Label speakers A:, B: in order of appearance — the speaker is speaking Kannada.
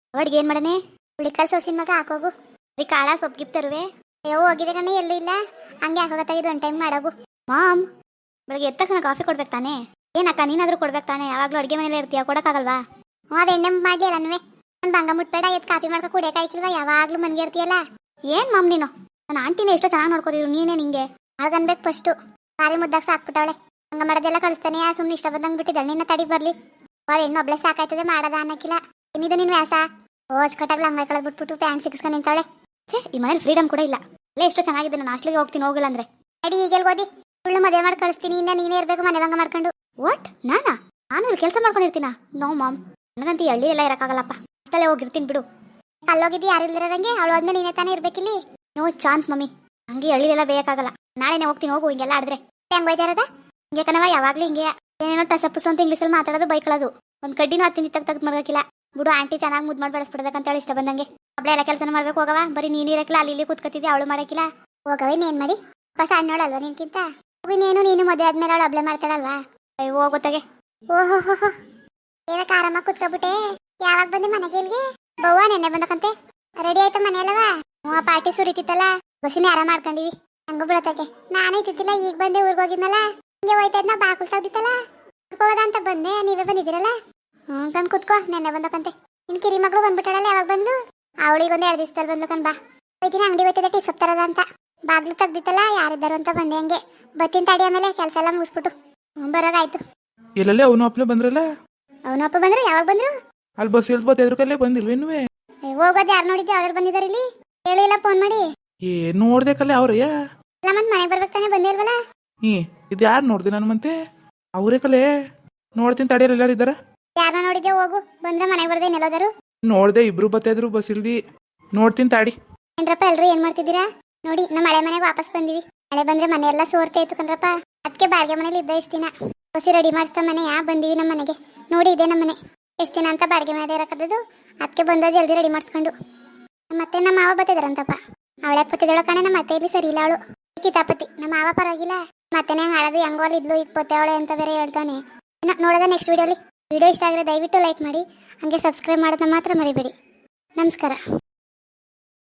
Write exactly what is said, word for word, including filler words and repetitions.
A: ಅಡ್ಗೆ ಏನ್ ಮಾಡನೆ? ಹುಳಿಕಾಳು ಸೋಸಿನ ಮಗ ಹಾಕೋಗು. ಬರೀ ಕಾಳ ಸೊಪ್ಪು ಗಿಪ್ ತರುವೆ. ಅಯ್ಯೋ ಹೋಗಿದೆ ಕಣ್ಣೆ, ಎಲ್ಲೂ ಇಲ್ಲ. ಹಂಗೆ ಹಾಕೋಗತ್ತಾಗಿದ್ದು ಒಂದು ಟೈಮ್ ಮಾಡೋಗು. ಮಾಮ್, ಬೆಳಗ್ಗೆ ಎದ್ದ ತಕ್ಷಣ ಕಾಫಿ ಕೊಡ್ಬೇಕು ತಾನೇ? ಏನಕ್ಕ ನೀನಾದ್ರೂ ಕೊಡ್ಬೇಕು ತಾನೇ? ಯಾವಾಗಲೂ ಅಡುಗೆ ಮನೇಲಿ ಇರ್ತೀಯ, ಕೊಡೋಕ್ಕಾಗಲ್ವಾ? ಹ್ಞೂ ಅದು ಎಣ್ಣೆ ಮಾಡಿ ಅಲ್ಲ ನನ್ವೆ. ನಾನು ಬಂಗ ಮುಟ್ಬೇಡ, ಎದ್ದು ಕಾಫಿ ಮಾಡ್ಕೊ ಕುಡಿಯೋಕಾಯ್ಕಿಲ್ವಾ? ಯಾವಾಗಲೂ ಮನ್ಗೆ ಇರ್ತೀಯಲ್ಲ. ಏನು ಮಾಮ್ ನೀನು? ನನ್ನ ಆಂಟಿನ ಎಷ್ಟೋ ಚೆನ್ನಾಗಿ ನೋಡ್ಕೋತಿದ್ರು, ನೀನೇ ನಿಂಗೆ ಅಳ್ಗನ್ಬೇಕು ಫಸ್ಟು. ಬಾರಿ ಮುದ್ದಾಗ ಸಾಕ್ಬಿಟ್ಟವಳೆ. ಹಂಗ ಮಾಡೋದೆಲ್ಲ ಕಲಿಸ್ತಾನೆ. ಸುಮ್ಮನೆ ಇಷ್ಟ ಬಂದಂಗೆ ಬಿಟ್ಟಿದ್ದಾಳೆ. ನಿನ್ನ ತಡಿ ಬರಲಿ. ಅವ್ರು ಹೆಣ್ಣು ಒಬ್ಳೆ ಸಾಕಾಯ್ತದೆ, ಮಾಡೋದ ಅನ್ನಕ್ಕಿಲ್ಲ. ಏನಿದು ನಿನ್ನ ವ್ಯಾಸ? ಓಸ್ ಕಟ್ಟಾಗ್ಲ ಹಂಗ ಕಳೆದ್ ಬಿಟ್ಬಿಟ್ಟು ಪ್ಯಾಂಟ್ ಸಿಕ್ಸ್ಕೊಂಡು ನಿಂತಾವಳೆ. ಛೇ, ಈ ಮನೇಲಿ ಫ್ರೀಡಮ್ ಕೂಡ ಇಲ್ಲ. ಅಲ್ಲೇ ಎಷ್ಟೋ ಚೆನ್ನಾಗಿದೆ. ನಾನು ಹಾಸ್ಟ್ಲಿಗೆ ಹೋಗ್ತೀನಿ, ಹೋಗಿಲ್ಲ ಅಂದ್ರೆ ಅಡಿ ಈಗೆಲ್ ಓದಿ ಸುಳ್ಳು ಮದುವೆ ಮಾಡಿ ಕಳಿಸ್ತೀನಿ. ಇನ್ನ ನೀನೇ ಇರಬೇಕು ಮನೆ ಭಂಗ ಮಾಡ್ಕೊಂಡು. ವಾಟ್? ನಾನಾ? ನಾನು ಇಲ್ಲಿ ಕೆಲಸ ಮಾಡ್ಕೊಂಡಿರ್ತೀನ? ನೋ ಮಾಮ್, ನನಗಂತೂ ಹಳ್ಳಿ ಎಲ್ಲ ಇರೋಕ್ಕಾಗಲ್ಲಪ್ಪ. ಅಷ್ಟಲ್ಲೇ ಹೋಗಿರ್ತೀನಿ ಬಿಡು. ಅಲ್ಲೋಗಿದ್ದು ಯಾರು ಇಲ್ದಿರಂಗೆ ಅವಳು ಆದ್ಮೇಲೆ ನೀನೇ ತಾನೇ ಇರ್ಬೇಕಿಲ್ಲಿ. ನೋ ಚಾನ್ಸ್ ಮಮ್ಮಿ, ಹಂಗೆ ಹಳ್ಳಿದೆಲ್ಲ ಬೇಕಾಗಲ್ಲ. ನಾಳೆನೇ ಹೋಗ್ತೀನಿ, ಹೋಗು. ಹಿಂಗೆಲ್ಲ ಆಡಿದ್ರೆ ಹೆಂಗ್ ಹೋಯ್ತಾ ಇರೋದ? ಹಿಂಗೆ ಕಣವ, ಯಾವಾಗ್ಲೂ ಹಿಂಗೆ ಏನೇನೋ ಟಸಪ್ಪುಸ್ ಅಂತ ಇಂಗ್ಲೀಷಲ್ಲಿ ಮಾತಾಡೋದು, ಬೈಕೊಳ್ಳೋದು. ಒಂದು ಕಡ್ಡಿನೂ ಹತ್ತಿನ ತಗ್ ತೆಗ್ದು ಮಾಡ್ಬೇಕಿಲ್ಲ ಬಿಡು. ಆಂಟಿ ಚೆನ್ನಾಗಿ ಮುದ್ದು ಮಾಡಿ ಬೆಳೆಸ್ಬಿಡೋದಕ್ಕಂತ ಹೇಳಿ ಇಷ್ಟ ಬಂದಂಗೆ ಒಬ್ಳೆ ಎಲ್ಲ ಕೆಲಸ ಮಾಡ್ಬೇಕು. ಹೋಗವ, ಬರೀ ನೀನು ಇರಕ್ಕಿಲ್ಲ, ಅಲ್ಲಿ ಇಲ್ಲಿ ಕೂತ್ಕತ್ತಿದ್ದೆ, ಅವಳು ಮಾಡಕ್ಕಿಲ್ಲ. ಹೋಗವ, ಇನ್ನೇನು ಮಾಡಿ? ಪಾಪ ಸಣ್ಣೋಳಲ್ವಾ ನಿನ್ಕಿಂತ? ಇನ್ನೇನು ನೀನು ಮದುವೆ ಆದ್ಮೇಲೆ ಅವಳು ಒಬ್ಳೆ ಮಾಡ್ತಾಳಲ್ವಾ? ಅಯ್ಯೋ ಹೋಗೋತ್ತಾಗೆ. ಓಹೋ ಹೋ ಹೋ, ಏನಕ್ಕೆ ಆರಾಮಾಗಿ ಕೂತ್ಕೊಬಿಟ್ಟೆ? ಯಾವಾಗ ಬಂದೆ ಮನೆಗೆ? ಇಲ್ಲಿಗೆ ಬವ್ವ ನೆನ್ನೆ ಬಂದಕಂತೆ. ರೆಡಿ ಆಯ್ತಾ ಮನೆ ಅಲ್ಲವಾ? ಹ್ಞೂ, ಪಾರ್ಟಿ ಸುರಿತಿತ್ತಲ್ಲ, ಬಸ್ಸಿನ ಆರಾಮ ಮಾಡ್ಕೊಂಡಿವಿ. ಹಂಗ ಬಿಡತ್ತಾಗೆ. ನಾನೇ ಇತ್ತಿಲ್ಲ, ಈಗ ಬಂದೆ. ಊರಿಗೆ ಹೋಗಿದ್ನಲ್ಲ, ಹಿಂಗೆ ಹೋಯ್ತಾ ಇದ್ನ, ಬಾಕುಲ್ ತೆಗ್ದಿತ್ತಲ್ಲ, ಹೋಗೋದ ಅಂತ ಬಂದೆ. ನೀವೇ ಬಂದಿದ್ದೀರಲ್ಲ? ಹ್ಞೂ ತಂದು ಕುತ್ಕೋ. ನೆನ್ನೆ ಬಂದಕಂತೆ. ನಿನ್ ಕಿರಿ ಮಗಳು ಬಂದ್ಬಿಟ್ಟಾಳಲ್ಲ, ಯಾವಾಗ ಬಂದು? ಅವಳಿಗೆ ಒಂದು ಎರಡು ದಿವಸದಲ್ಲಿ ಬಂದು ಕಣ್ ಬಾ. ಹೋಯ್ತೀನಿ, ಅಂಗಡಿ ಹೋಯ್ತದೆ ಟೀ ಸೊಪ್ ತರದ ಅಂತ. ಬಾಗ್ಲು ತೆಗ್ದಿತ್ತಲ್ಲ, ಯಾರಿದ್ದಾರು ಅಂತ ಬಂದೆ. ಹಂಗೆ ಬತ್ತಿನ ತಡಿ, ಆಮೇಲೆ ಕೆಲಸ ಎಲ್ಲ ಮುಗಿಸ್ಬಿಟ್ಟು ಹ್ಞೂ ಬರೋಗಾಯ್ತು.
B: ಎಲ್ಲಲ್ಲೇ ಅವನು ಅಪ್ಪನೇ ಬಂದ್ರಲ್ಲ?
A: ಅವನು ಅಪ್ಪ ಬಂದ್ರು? ಯಾವಾಗ ಬಂದ್ರು?
B: ಅಲ್ಲಿ ಬಸ್ ಇಳಿಸ್ಬೋದು ಎದ್ರ ಕಲ್ಲೇ ಬಂದಿಲ್ವೇನುವೆ?
A: ಹೋಗೋದು ಯಾರು ನೋಡಿದ್ದೆ? ಅವ್ರು ಬಂದಿದ್ದಾರೆ ಇಲ್ಲಿ? ಹೇಳಿಲ್ಲ ಫೋನ್ ಮಾಡಿ?
B: ಏ ನೋಡ್ದೆ ಕಲ್ಲೇ ಅವ್ರಯ್ಯ.
A: ಇಲ್ಲ ಮತ್ತೆ ಮನೆಗೆ ಬರ್ಬೇಕು ತಾನೇ, ಬಂದೇ ಇಲ್ವಲ್ಲ?
B: ಹೀ ಇದು ಯಾರು ನೋಡ್ದೆ ನಾನು ಮತ್ತೆ? ಅವರೇ ಕಲೆ ನೋಡ್ತೀನಿ ತಡಿಯಲ್ಲ. ಎಲ್ಲಾರು ಇದ್ದಾರ?
A: ಯಾರನ್ನ ನೋಡಿದ್ದೆ? ಹೋಗು, ಬಂದ್ರೆ ಮನೆಗೆ ಬರ್ದೆ. ನೆಲ್ಲೋದರು
B: ನೋಡ್ದೆ, ಇಬ್ರು ಬತ್ತಾ ಇದ್ರು ಬಸ್ ಇಳ್ದಿ. ನೋಡ್ತೀನಿ ತಾಡಿ.
A: ಏನ್ರಪ್ಪ ಎಲ್ರು ಏನ್ ಮಾಡ್ತಿದ್ದೀರಾ? ನೋಡಿ, ನಮ್ಮ ಮಳೆ ಮನೆಗೆ ವಾಪಸ್ ಬಂದಿವಿ. ಮಳೆ ಬಂದ್ರೆ ಮನೆ ಎಲ್ಲ ಸೋರ್ತಾ ಇತ್ತು ಕಣ್ರಪ್ಪ. ಅದಕ್ಕೆ ಬಾಡಿಗೆ ಮನೇಲಿ ಇದ್ದ ಇಷ್ಟ ದಿನ. ಬಸಿ ರೆಡಿ ಮಾಡಿಸ್ತಾ ಮನೆ ಯಾ ಬಂದಿವಿ ನಮ್ಮ ಮನೆಗೆ. ನೋಡಿ, ಇದೆ ನಮ್ಮ ಮನೆ. ಎಷ್ಟು ದಿನ ಅಂತ ಬಾಡಿಗೆ ಮನೆ ಇರಕದ್ದು, ಅದಕ್ಕೆ ಬಂದ ಜಲ್ದಿ ರೆಡಿ ಮಾಡಿಸ್ಕೊಂಡು. ಮತ್ತೆ ನಮ್ಮ ಮಾವ ಬತ್ತಿದಾರಂತಪ್ಪ. ಅವಳೆ ಪತ್ತಿದಳ ಕಣೆ. ನಮ್ಮ ಮತ್ತೆ ಇಲ್ಲಿ ಸರಿ ಇಲ್ಲ, ಅವಳು ಕಿತಾಪತಿ. ನಮ್ಮ ಮಾವ ಪರವಾಗಿಲ್ಲ, ಮತ್ತೆನೇ ಹಾಳದು ಹೆಂಗೋಲ್ ಇದ್ಲು, ಈಗ ಪೊತ್ತೆವಳೆ ಅಂತ ಬೇರೆ ಹೇಳ್ತಾನೆ. ನೋಡೋದ ನೆಕ್ಸ್ಟ್ ವಿಡಿಯೋಲಿ. ವಿಡಿಯೋ ಇಷ್ಟ ಆಗಿದ್ರೆ ದಯವಿಟ್ಟು ಲೈಕ್ ಮಾಡಿ, ಹಾಗೆ ಸಬ್ಸ್ಕ್ರೈಬ್ ಮಾಡೋದನ್ನ ಮಾತ್ರ ಮರಿಬೇಡಿ. ನಮಸ್ಕಾರ.